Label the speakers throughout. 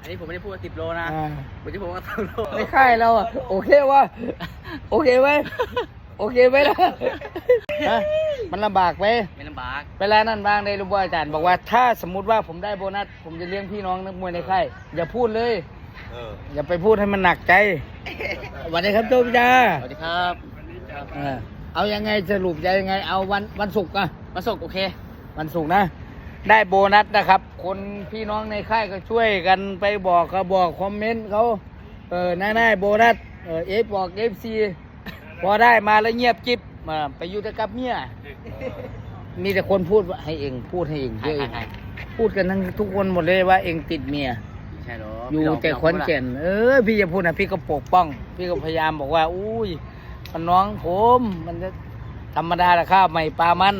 Speaker 1: อันนี้ผมไม่ได้พูดว่า10 โลนะผมจะพูดว่า2 โล
Speaker 2: ไม่ค่ายเราอ่ะโอเควะโอเคไหมโอเคไหมล่ะมันลำบากไหม
Speaker 1: ไม่ลำบาก
Speaker 2: เวลานั้นบ้างได้รู้ว่าอาจารย์บอกว่าถ้าสมมุติว่าผมได้โบนัสผมจะเลี้ยงพี่น้องนักมวยในค่ายอย่าพูดเลยอย่าไปพูดให้มันหนักใจสวัสดีครับโจพิจา
Speaker 1: สวัสดีครับ
Speaker 2: เอายังไงสรุปจะยังไงเอาวันศุกร์อะ
Speaker 1: วันศุกร์โอเค
Speaker 2: วันศุกร์นะได้โบนัสนะครับคนพี่น้องในค่ายก็ช่วยกันไปบอกเขาบอกคอมเมนต์เขาน่าได้โบนัสเอฟบอกFC พอได้มาแล้วเงียบกิ๊บไปอยู่แต่กับเมียมีแต่คนพูดให้เองพูดให้เองพูดกันทั้งทุกคนหมดเลยว่าเองติดเมีย
Speaker 1: ใช่หรอ
Speaker 2: อยู่แต่ขอนแก่นพี่จะพูดนะพี่ก็ปกป้องพี่ก็พยายามบอกว่าอุ้ยมันน้องผมมันจะธรรมดาละข้าวใหม่ปลามัน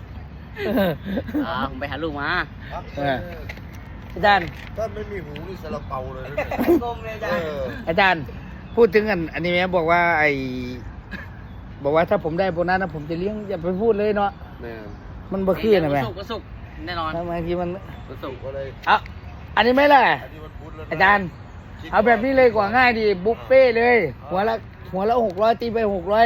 Speaker 1: ผมไปหาลูกมา
Speaker 2: อาจารย์
Speaker 3: ถ้าไม่มีหูนี่ซาลาเปาเลย
Speaker 1: กลมเลยอาจารย์
Speaker 2: อาจารย์พูดถึงอันนี้แม่บอกว่าบอกว่าถ้าผมได้โบนัสนะผมจะเลี้ยงอย่าไปพูดเลยเนาะมันบ่คือนะแม่
Speaker 1: วันศุกร์แน่นอน
Speaker 2: ทำไมที่มัน
Speaker 1: วันศุกร์
Speaker 3: อะไร
Speaker 2: อันนี้ไม่ล่ะอาจารย์เอาแบบนี้เลยกว่าง่ายดีบุฟเฟ่เลยหัวละ600ตีไป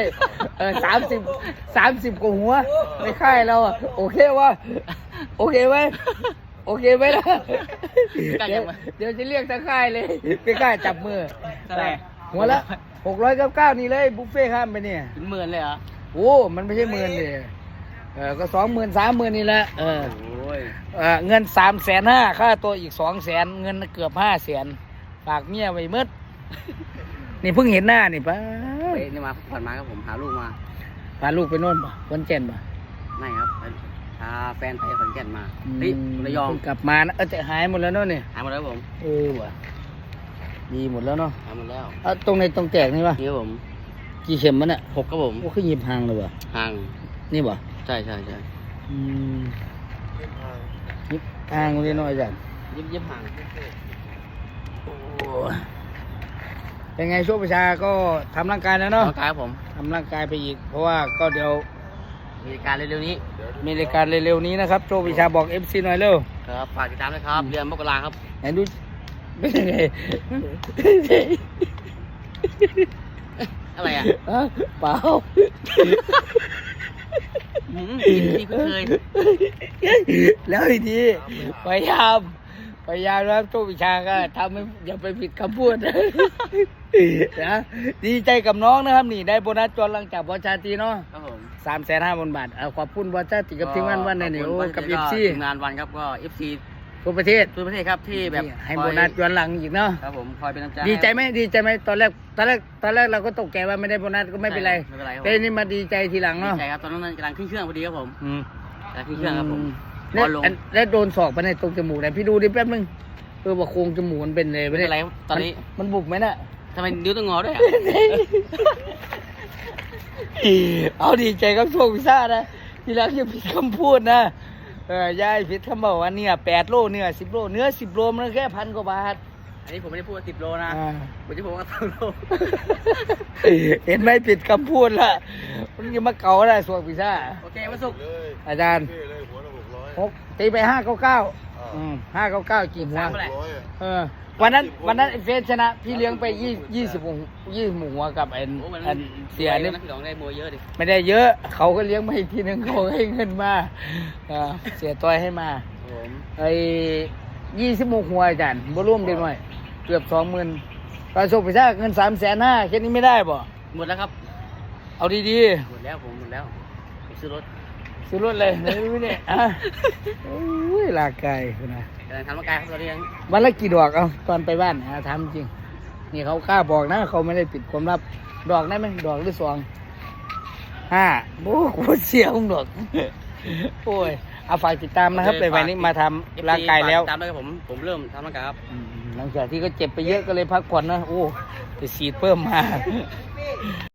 Speaker 2: 60030กว่าหัวไม่ค่ายเราโอเควะโอเคไหมโอเคไหมล่ะเดี๋ยวจะเรียกทั้งค่ายเลยไม่ค่ายจับมือหัวละ699นี่เลยบุฟเฟ่ข้ามไปเนี่ย
Speaker 1: เป็น10,000เลยเหรอ
Speaker 2: โอ้มันไม่ใช่10,000เลยก็20,000 30,000นี่แหละเงิน350,000ค่าตัวอีก200,000เงินเกือบ500,000ฝากเมียไว้มืดนี่เพิ่งเห็นหน้านี่ป้า
Speaker 1: นี่มาผ่อนมาครับผมหาลูกมา
Speaker 2: พาลูกไปโน่นป่ะขอนแก่นป่ะ
Speaker 1: ไม่ครับพาแฟนไปขอนแก่นมาระยอง
Speaker 2: กลับมานะจะหายหมดแล้วเนาะเนี่ย
Speaker 1: หายหมดแล้วผม
Speaker 2: ว่ะดีหมดแล้วเนาะ
Speaker 1: หายหมดแล้ว
Speaker 2: ตรงในตรงแตกนี่ป่ะ
Speaker 1: นี่ผม
Speaker 2: กี่เข็มมันอ่ะ
Speaker 1: 6ครับผม
Speaker 2: โอ้ขึ้นยิบห่างเลยว่ะ
Speaker 1: ห่าง
Speaker 2: นี่ป่ะ
Speaker 1: ใช่
Speaker 2: ยิบห่างเลยน้อยจัง
Speaker 1: ยิบห่าง
Speaker 2: เป็นไงโชคประชาก็ทำร่างกายแล้วเนาะ
Speaker 1: ร่างกายผม
Speaker 2: ทำร่างกายไปอีกเพราะว่าก็เดี๋ยว
Speaker 1: มีรายการเร็วๆนี้
Speaker 2: นะครับโชคประชาบอก FC หน่อยเร็ว
Speaker 1: ครับฝากติดตามด้วยครับเดือนมกราครับ
Speaker 2: ไหนดูเป็นยังไง
Speaker 1: อะไรอ่ะ
Speaker 2: เปล่า
Speaker 1: ที่เคย
Speaker 2: แล้วอีกทีพยายามแล้วโชควิชาก็ทำให้อย่าไปผิดคำพูดนะดีใจกับน้องนะครับนี่ได้โบนัสจนหลังจากบอลชาตีเนาะ
Speaker 1: ครับผม
Speaker 2: 350,000 บาทขอบคุณบอลชาติกับทีมงานวันในโอ้กับ FC
Speaker 1: ทีมงานวันครับก็ FC
Speaker 2: ทั่วประเทศ
Speaker 1: ครับที่แบบ
Speaker 2: ให้โบนัสย้อนหลังอีกเนาะ
Speaker 1: ครับผมคอยเป็นกำลังใจ
Speaker 2: ดีใจไหมตอนแรกเราก็ตกใจว่าไม่ได้โบนัสก็ไม่เป็นไรแต่นี่มาดีใจทีหลังเนาะ
Speaker 1: ดีใจครับตอนนั้นกำลังขึ้นเครื่องพอดีครับผมกำลังขึ้นเครื่องครับผม
Speaker 2: แล้วโดนศอกไปในตรงจมูกไหนพี่ดูดิแป๊บนึงว่าโครงจมูกมันเป็นเลย
Speaker 1: ไม่ได้ไรตอนนี้
Speaker 2: มันบุบไหมน่ะ
Speaker 1: ทำไมนิ้วต้องงอด้วย
Speaker 2: เอาดีใจกับโชคพิซซ่านะทีหลังอย่าผิดคำพูดนะยายผิดคำบอกว่าเนี่ย8 โลเนื้อ10 โลเนื้อ10 โลมันแค่1,000 กว่าบาท
Speaker 1: อันนี้ผมไม่ได้พูดว่า10 โลนะผมจะพูดว่า2 โล
Speaker 2: เห็นไหมผิดคำพูดละมันยังมาเก่าได้โชคพิซซ่า
Speaker 1: โอเคมาสุก
Speaker 2: อาจารย์ตีไป599 599กี่หัววันนั้นเฟสชนะพี่เลี้ยงไป20หัวกับเสียนี่ไม่ได้เยอะเขาก็เลี้ยงมาอีกทีนึงเขาให้เงินมาเสียตัวให้มา26หัวอาจารย์บ่ร่วมเด็กหน่อยเกือบ 20,000ตอนโชคไปซะเงิน350,000แค่นี้ไม่ได้บ่
Speaker 1: หมดแล้วครับ
Speaker 2: เอาดี
Speaker 1: ๆหมดแล้วผมซื้อรถ
Speaker 2: เลยไม่ได้ลากไก่นะ
Speaker 1: ทำร่างกายครับตอนนี้
Speaker 2: วันละกี่ดอกตอนไปบ้านทำจริงนี่เขากล้าบอกนะเขาไม่ได้ปิดความลับดอกได้ไหมดอกหรือ5โอ้โหเสียงดอกโอ้ยเอาฝากติดตามนะครับไปวันนี้มาทำร่างกายแล้ว
Speaker 1: ตามด้วยครับผมเริ่มทำร่างกายครับ
Speaker 2: หลังจากที่ก็เจ็บไปเยอะก็เลยพักผ่อนนะโอ้จะฉีดเพิ่มมา